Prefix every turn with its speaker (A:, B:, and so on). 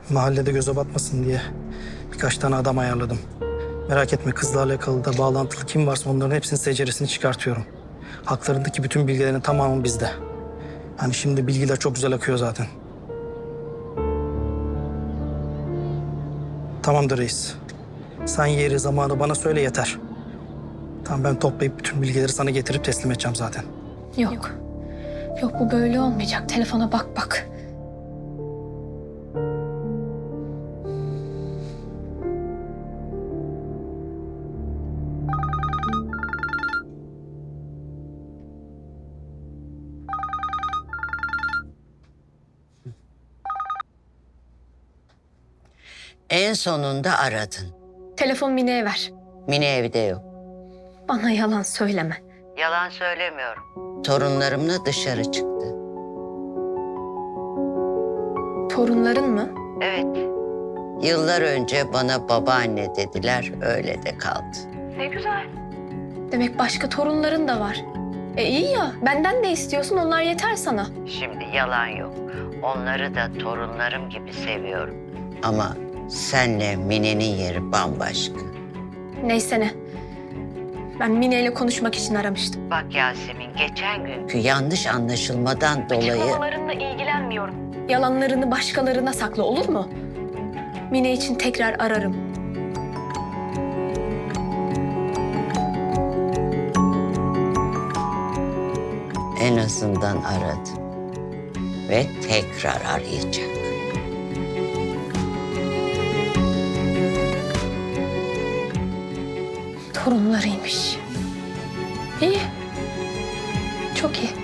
A: Mahallede göze batmasın diye birkaç tane adam ayarladım. Merak etme, kızla alakalı da bağlantılı kim varsa onların hepsinin seceresini çıkartıyorum. Haklarındaki bütün bilgilerin tamamı bizde. Hani şimdi bilgiler çok güzel akıyor zaten. Tamamdır reis. Sen yeri zamanı bana söyle yeter. Tamam, ben toplayıp bütün bilgileri sana getirip teslim edeceğim zaten.
B: Yok. Yok, bu böyle olmayacak. Telefona bak bak.
C: En sonunda aradın.
B: Telefon Mine'ye ver.
C: Mine evde yok.
B: Bana yalan söyleme.
C: Yalan söylemiyorum. Torunlarımla dışarı çıktı.
B: Torunların mı?
C: Evet. Yıllar önce bana babaanne dediler, öyle de kaldı.
B: Ne güzel. Demek başka torunların da var. İyi ya, benden de istiyorsun, onlar yeter sana.
C: Şimdi yalan yok. Onları da torunlarım gibi seviyorum. Ama senle Mine'nin yeri bambaşka.
B: Neyse ne. Ben Mine ile konuşmak için aramıştım.
C: Bak Yasemin, geçen günkü yanlış anlaşılmadan dolayı...
B: Açıklamalarınla ilgilenmiyorum. Yalanlarını başkalarına sakla, olur mu? Mine için tekrar ararım.
C: En azından aradı. Ve tekrar arayacak.
B: Torunlarıymış. İyi. Çok iyi.